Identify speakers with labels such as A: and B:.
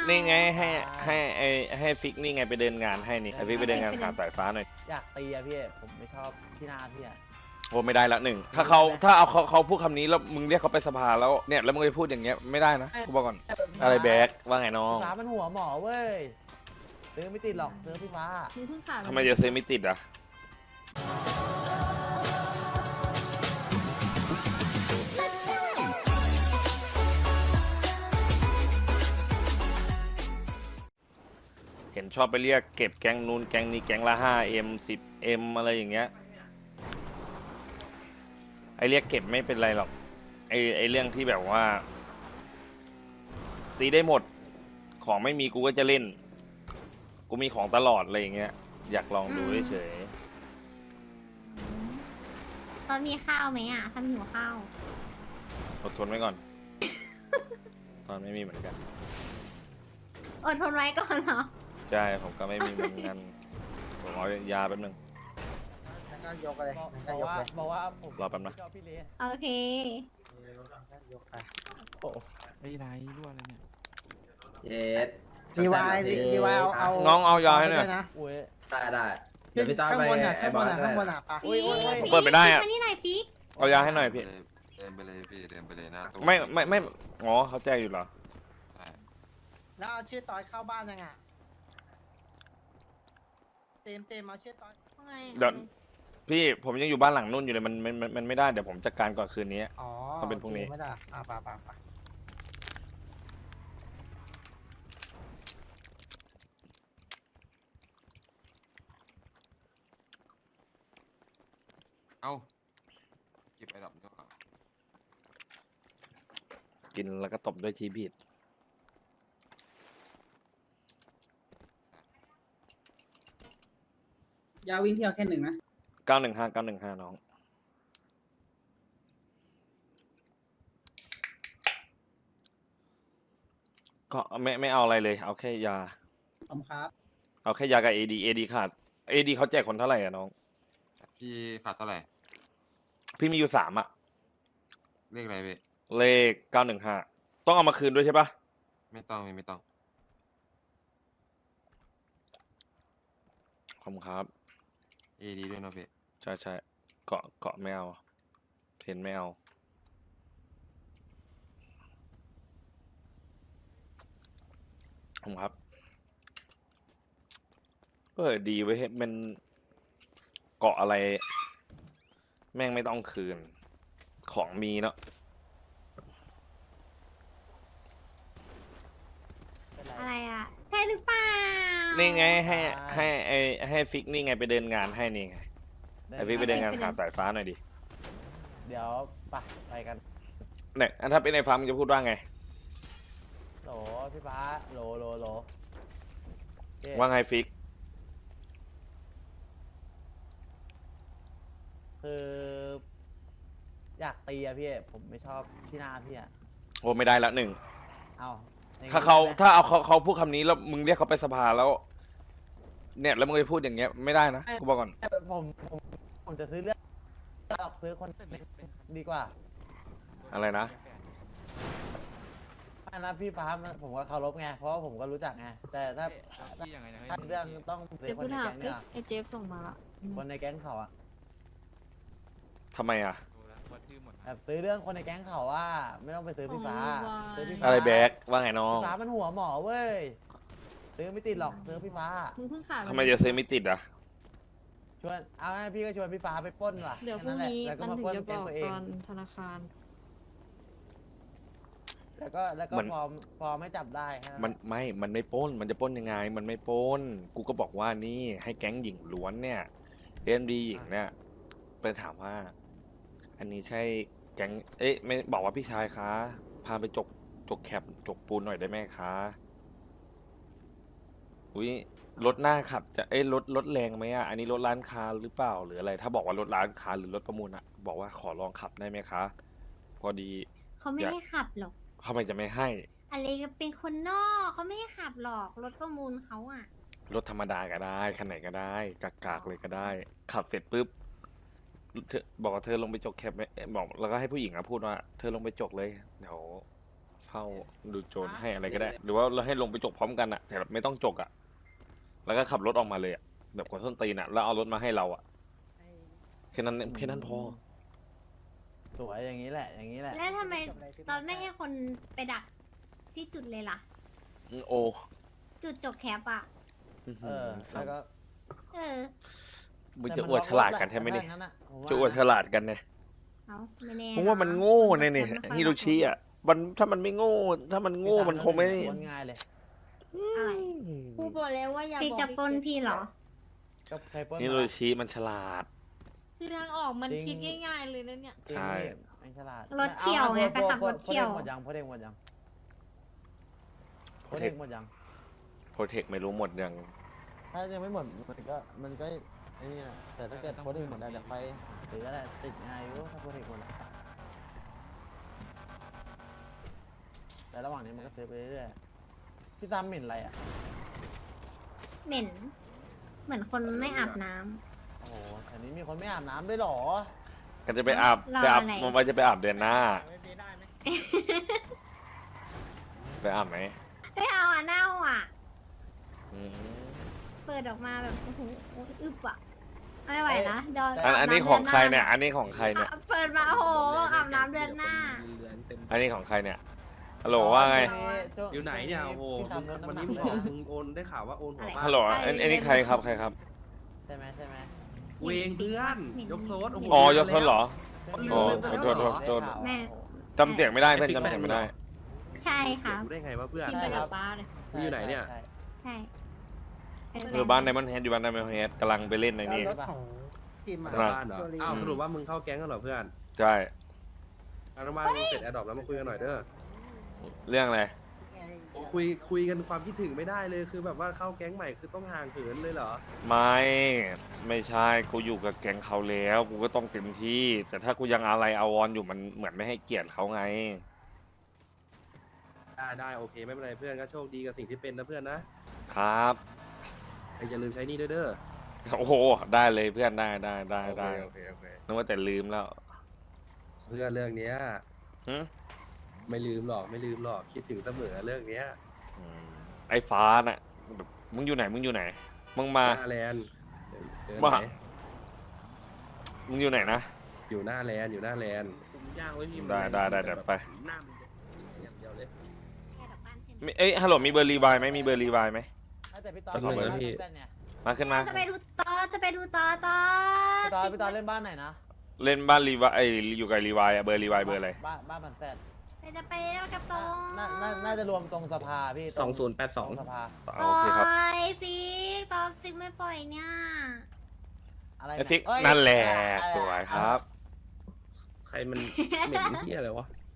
A: นี่ไงให้ฟิกนี่ไงไปเดินงานให้นี่ให้ฟิกไปเดินงานขาดสายฟ้าหน่อย
B: อยากตีอะพี่ผมไม่ชอบที่หน้าพี่อะ
A: โอ้ไม่ได้ละหนึ่งถ้าเอาเขาพูดคำนี้แล้วมึงเรียกเขาไปสภาแล้วเนี่ยแล้วมึงไปพูดอย่างเงี้ยไม่ได้นะกูบอกก่อนอะไรแบกว่าไงน้อง
B: พี่ฟ้ามันหัวหมอเว้ยซื้อไม่ติดหรอกซื้อพี่ฟ้า
C: มึงเพิ่งขาด
A: ทำไมจะซื้อไม่ติดอ่ะเห็นชอบไปเรียกเก็บแก๊งนู้นแก๊งนี้แก๊งละ 5M 10M อะไรอย่างเงี้ยไอเรียกเก็บไม่เป็นไรหรอกไอเรื่องที่แบบว่าตีได้หมดของไม่มีกูก็จะเล่นกูมีของตลอดอะไรอย่างเงี้ยอยากลองดูเฉย
C: ตอนมีข้าวไหมอ่ะทำหิวข้าว
A: อดทนไว้ก่อน ตอนไม่มีเหมือนกัน
C: อดทนไว้ก่อนเหรอ
A: ใช่ผมก็ไม่มีเหมือนกันผมเอายาแป๊บนึง
D: นั่นก็ยกเลยนั่นก็ยกเลย
B: บอกว่าผม
A: รอแป๊บนะ
B: ชอบพี่เล
C: โอเค
D: นั่นยกไป
B: โอ้
E: ไม่ไรรั่วเลยเนี่ย
D: เย็ดดีวายเอา
A: น้องเอายาให้หน่อย
D: นะ
B: อุ้ย
D: ได้เดี๋ยวพี่ต้อนไปไอ้บอลข้างบนอ่ะปะ
C: ฟิก
A: ผมเปิดไม่ได้อะ
C: มานี่หน่อยฟิก
A: เอายาให้หน่อยพี่
E: เดินไปเลยพี่เดินไปเลยนะตู้
A: ไม่อ๋อเขาแจ้งอยู่เหรอ
E: ใช่
D: แล้วเอาชื่อตอนเข้าบ้านยังอ่ะเต็มเอาชื่อตอน
A: เดี๋ยว พี่ผมยังอยู่บ้านหลังนู่นอยู่เลยมันไม่ได้เดี๋ยวผมจัดการก่อนคืนนี้
D: อ๋อ
A: ต้องเป็นพรุ่งนี้
D: ไม่ได้ปะ
E: เอ้าเก็บไอ้ดอกก็ก่อน
A: กินแล้วก็ตบด้วยทีบีด
F: ยาวิ่งเที่ยวแค่หนึ่งนะ
A: 915น้องก็ไม่เอาอะไรเลยเอาแค่ยา
F: ขอบคุณครับ
A: เอาแค่ยากับADขาดADเขาแจกคนเท่าไหร่อะน้อง
E: พี่ขาดเท่าไหร่
A: พี่มีอยู่3อะ
E: เลขอะไรพี่
A: เลข915ต้องเอามาคืนด้วยใช่ปะ
E: ไม่ต้อง
A: ขอบคุณครับ
E: AD ด้วยนะพี่
A: ใช่เกาะไม่เอาเทนไม่เอาผมครับดีไว้ให้มันเกาะอะไร แม่งไม่ต้องคืน ของมีเนาะ
C: อะไรอ่ะ ใช่หรือเปล่า
A: นี่ไงให้ฟิกนี่ไงไปเดินงานให้นี่ไงให้ฟิกไปเดินงานขาดสายฟ้าหน่อยดิ
B: เดี๋ยวไปกัน
A: เนี่ยถ้าเป็นในฟ้ามึงจะพูดว่าไง
B: โหลพี่ฟ้าโหลเจ๊
A: ว่าไงฟิก
B: คืออยากตีอะพี่ผมไม่ชอบที่หน้าพี่อะ
A: โอ้ไม่ได้ละหนึ่ง
B: เอาอย่งนี้
A: ถ้า
B: ใช่ไหม
A: เอาเขาพูดคำนี้แล้วมึงเรียกเขาไปสภาแล้ว เนี่ยแล้วมึงไปพูดอย่างเงี้ยไม่ได้นะกูบอกก่อน
B: ผมจะซื้อเรื่องซื้อคนดีกว่า
A: อะไรนะ
B: อันนั้นพี่ฟ้าผมก็เคารพไงเพราะว่าผมก็รู้จักไงแต่ถ้า
E: พี่ยังไงนะ
B: เรื่องต้องซื้
C: เดี๋
B: อ
C: ยว
B: ค
C: กู
B: นใน
C: ถาม
B: แก๊งเนี่ย
C: ไอ้เจฟส่งมาละ
B: คนในแก๊งเขาอะ
A: ทำไมอ่ะ
E: วัดชื่อหมดนะ
B: แบบซื้อเรื่องคนในแก๊งเขาว่า ไม่ต้องไปซื้อพี่ฟ้าซื้อพี่ฟ้า
A: อะไรแบกว่าไงน้อง
B: พี่ฟ้ามันหัวหมอเว้ยซื้อไม่ติดหรอกซื้อพี่ฟ้า
C: มึงเพิ่งขาด
A: ทำไมจะซื้อไม่ติดอ่ะ
B: ชวนเอาไงพี่ก็ชวนพี่ฟ้าไปปล้นว่ะ
C: เดี๋ยวพรุ่งนี้
B: แค่แหละ
C: มันถึงจะ
B: แล้
C: บ
B: วก็
C: อก
B: มาปล้นแก๊งตัวเอง
C: ตอนธนาคาร
B: แล้วก็
A: เหมือน
B: พอไม่จับได้แค่
A: มันไม่ปล้นมันจะปล้นยังไง มันไม่ปล้นกูก็บอกว่านี่ให้แก๊งหญิงล้วนเนี่ยเอ็มดีหญิงเนี่ยไปถามว่า อันนี้ใช่แก๊งไม่บอกว่าพี่ชายคะพาไปจกแคปจกปูนหน่อยได้ไหมคะอุ้ยรถหน้าขับจะรถแรงไหมอ่ะอันนี้รถร้านค้าหรือเปล่าหรืออะไร ถ้าบอกว่ารถร้านค้าหรือรถประมูลอ่ะบอกว่าขอลองขับได้ไหมคะ พอดี
C: เขาไม่ให้ขับหรอก
A: ทำไมจะไม่ให้
C: อะไรก็เป็นคนนอกเขาไม่ให้ขับหรอกรถประมูลเขาอ่ะ
A: รถธรรมดาก็ได้คันไหนก็ได้กากๆเลยก็ได้ ขับเสร็จปุ๊บเธอบอกว่าเธอลงไปจกแคปไหมบอกแล้วก็ให้ผู้หญิงอะพูดว่าเธอลงไปจกเลยเดี๋ยวเฝ้าดูโจรให้อะไรก็ได้ หรือว่าเราให้ลงไปจกพร้อมกันอะแต่แบบไม่ต้องจกอะแล้วก็ขับรถออกมาเลยอะแบบคนส้นตีนอะแล้วเอารถมาให้เราอะแค่นั้นพอ
B: สวยอย่างนี้แหละ อย่างนี้แหละ
C: แล้วทำไมตอนไม่ให้คนไปดักที่จุดเลยล่ะ
A: โอ
C: จุดจกแคปอ่ะ
B: แล้วก็
C: เออ
A: มึงจะอวดฉลาดกันใช่ไหมเนี่ย
B: แต่ถ้างั้นอะผมว่า
A: จะอวดฉลาดกันเนี่ย
C: เอาไม่แน่
A: มึงว่ามันโง่เนี่ยนี่ฮิโรชิอ่ะมันถ้ามันไม่โง่ ถ้ามันโง่มันคงไม่
B: คนง่ายเลย
C: อะไร
G: กูบอกแล้วว่าอย่า
C: พี่
G: บอก
C: จะปล้นพี่เหรอ
B: ก็ใครปล้น
A: ฮิโรชิมันฉลาด
G: คือทางออกมันคิดง่ายๆเลยนะเนี่ย
B: จริง
A: ใช่
B: ไม่ฉลาด
C: รถเฉี่ยวไง
B: อา
C: ไปขับรถเฉี่ยว
B: หมดยังพอเด้งหมดยังพอเด้งหมดยัง
A: โปรเทคไม่รู้หมดยัง
B: ถ้ายังไม่หมดมันก็ไอ้นี่แหละแต่ถ้าเกิดโพสต์หมดแล้วเดี๋ยวไปหรืออะไรติดง่ายอยู่ถ้าโพสต์หมดแล้วแต่ระหว่างนี้มันก็ซื้อไปเรื่อยๆพี่ตามหมิ่นอะไรอ่ะ
C: เหม็น เหมือนคนไม่อาบน้ำ
B: โอ้โหแถวนี้มีคนไม่อาบน้ำด้วยเหรอ
A: ก็จะไปอาบ
C: รอ
A: ไปอาบ
C: อะไร
A: มันว่าจะไปอาบเดือนหน้า ไปอาบไหม
C: ไม่เอาอ่ะเน่าอ่ะ
A: อืม
C: เปิดออกมาแบบโอ้โหอึบอ่ะ ไม่ไหวนะเดี๋ยว
A: อันนี้ของใครเนี่ย อันนี้ของใครเนี่ย
C: อ่ะเปิดมาโอ้โหอาบน้ำเดือนหน้า
A: อันนี้ของใครเนี่ยฮัลโหลว่าไง
H: อยู่ไหนเนี่ยโอ้โห
B: พี่ตามรถ
H: วัน
B: น้ำห
H: นี้
B: นัก
H: มึงบอกมึงโอนได้ข่าวว่าโอนหัวบ้าน
A: ฮัลโหลอันนี้ใครครับใครครับ
B: ใช่ไหมใช่ไหม
H: กูเองเพื่อนยกโซดโอ้โห
A: อ๋อยกโทษเหรอ
H: โอ้
A: โทษ
C: แม่
A: จำเสียงไม่ได้เพื่อนจำเสียงไม่ได้
C: ใช่ค่ะ
H: กูได้ไงวะเพื่อน
G: กินไปกับป้าเลย
H: มึงอยู่ไหนเนี่ย
B: ใช่
C: ใช่
A: อยู่บ้านไดมอนด์เฮดอยู่บ้านไดมอนด์เฮดกำลังไปเล่นในนี่
D: รถของทีม
H: มา
A: ครับ
H: บ้านเหรออ้าวสรุปว่ามึงเข้าแก๊งกันเหรอเพื่อน
A: ใช่
H: เอาละมามึงเสร็จแอดดอปแล้วมาคุยกันหน่อยเด้อ
A: เรื่องอะไร
H: โอ้คุยกันความคิดถึงไม่ได้เลยคือแบบว่าเข้าแก๊งใหม่คือต้องห่างเหินเลยเหรอ
A: ไม่ใช่กูอยู่กับแก๊งเขาแล้วกูก็ต้องเต็มที่ แต่ถ้ากูยังอะไรอาวรณ์อยู่มันเหมือนไม่ให้เกียรติเขาไง
H: ได้โอเคไม่เป็นไรเพื่อนก็โชคดีกับสิ่งที่เป็นนะเพื่อนนะครับ อย่าลืมใช้หนี่ด้วยเด้อ
A: โอ้โหได้เลยเพื่อนได้
H: โอเค
A: นึกว่าแต่ลืมแล้ว
H: เพื่อนเรื่องเนี้ย
A: หึ
H: ไม่ลืมหรอกคิดถึงเสมอเรื่องเนี้ย
A: อืมไอ้ฟ้าน่ะแบบมึงอยู่ไหนมึงมา
H: หน้าแลนด์เดิน
A: มา
H: ไหน
A: มึงอยู่ไหนนะ
H: อยู่หน้าแลนด์ผมย่างไว้พี่
A: ได้เดี๋ยวไป
H: หน้ามันอย่างเดียวเลย
A: เอ้ยฮัลโหลมีเบอร์รีวายไหมมีเบอร์รีวายไหม
B: แต่พี่ตอน
A: เอาเลย
B: บ้าน
H: พี่
B: เส้นเนี่ย
A: มาขึ้นมา
C: จะไปดูต่อ
B: พี่ตอนเล่นบ้านไหนนะ
A: เล่นบ้านรีวายไอยอยู่กับรีวายอะเบอร์รีวายเบอร์อะไร
B: บ้านมันแซด
C: จะไปกับตรง
B: น่าจะรวมตรงสภาพี่ตรงตรงสภา
A: โอเคครับ
C: โอ้ยฟิกตอนฟิกไม่ปล่อยเนี่ย
B: อะไร
A: ไอฟิก
B: เอ้ย
A: นั่นแหละ
B: อะไร
A: สวยครับ
H: ใครมันเหม็นที่อะไรวะ